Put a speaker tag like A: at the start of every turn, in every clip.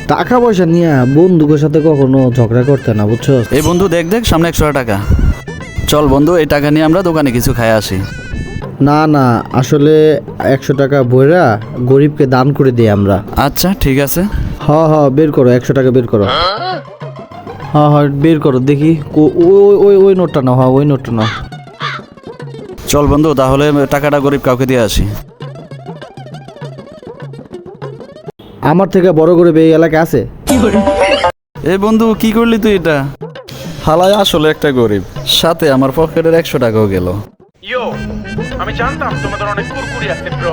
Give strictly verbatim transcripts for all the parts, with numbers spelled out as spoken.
A: টাকা পয়সা নিয়ে বন্ধুদের সাথে কখনো ঝগড়া করতে না, বুঝছো?
B: এই বন্ধু দেখ দেখ সামনে একশো টাকা। চল বন্ধু, এই টাকা নিয়ে আমরা দোকানে কিছু খাই আসি।
A: না না, আসলে একশো টাকা বইরা গরিবকে দান করে দিই আমরা।
B: আচ্ছা ঠিক আছে।
A: হ হ বের করো, একশো টাকা বের করো। হ্যাঁ হ্যাঁ বের করো দেখি। কো- ওই ওই ওই নোটটা নাও, হ্যাঁ ওই নোটটা নাও।
B: চল বন্ধু, তাহলে টাকাটা গরিব কাউকে দিয়ে আসি।
A: আমার থেকে বড় গরিব এই এলাকায় আছে?
B: এই বন্ধু কি করলি তুই এটা? হালায় আসলে একটা গরিব, সাথে আমার পকেটের একশো টাকাও গেল।
C: ইয়ো, আমি জানতাম তোমাদের অনেক কুরকুরি আছে ব্রো।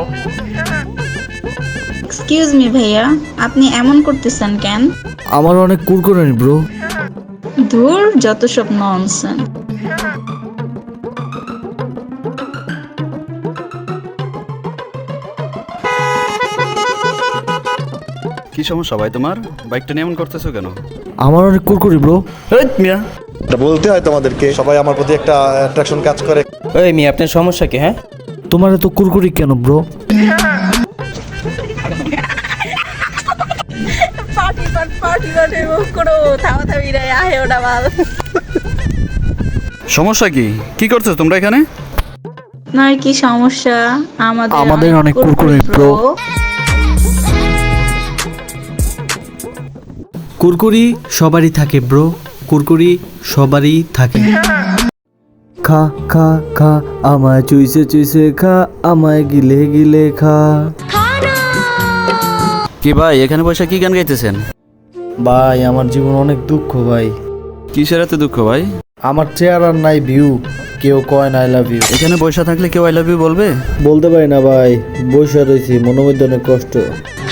D: এক্সকিউজ মি ভাইয়া, আপনি এমন করতেছেন কেন?
A: আমার অনেক কুরকুরানি ব্রো।
D: ধুর, যত সব ননসেন্স।
B: কি সমস্যা ভাই তোমার? বাইকটা নিয়ে এমন করতেছো কেন?
A: আমার অনেক কুরকুরি ব্রো।
B: এই মিয়া,
E: এটা বলতে হয় তোমাদেরকে, সবাই আমার প্রতি একটা অ্যাট্রাকশন কাজ করে।
F: ওই মেয়ে, আপনার সমস্যা কি? হ্যাঁ,
A: তোমার এত কুরকুরি কেন ব্রো?
G: পার্টি পাট পার্টি পাটে মুখ করো, থামা থামি রে আহে ওটা বাল।
B: সমস্যা কি? কি করছো তোমরা এখানে?
D: আপনার কি সমস্যা? আমাদের
A: আমাদের অনেক কুরকুরি bro। কুরকুরি সবারই থাকে ব্রো, কুরকুরি সবারই থাকে। খা খা খা আমায় চুইসে চুইসে খা, আমায় গিলে গিলে খা।
B: কি ভাই এখানে বসে কি গান গাইতেছেন?
A: ভাই আমার জীবন অনেক দুঃখ ভাই।
B: কিসের এত দুঃখ ভাই?
A: আমার চেহারা নাই ভিউ, কেউ কয় না আই লাভ ইউ।
B: এখানে বসে থাকলে কেউ আই লাভ ইউ বলবে?
A: বলতে পারি না ভাই, বসে রয়েছি, মনের মধ্যে অনেক কষ্ট।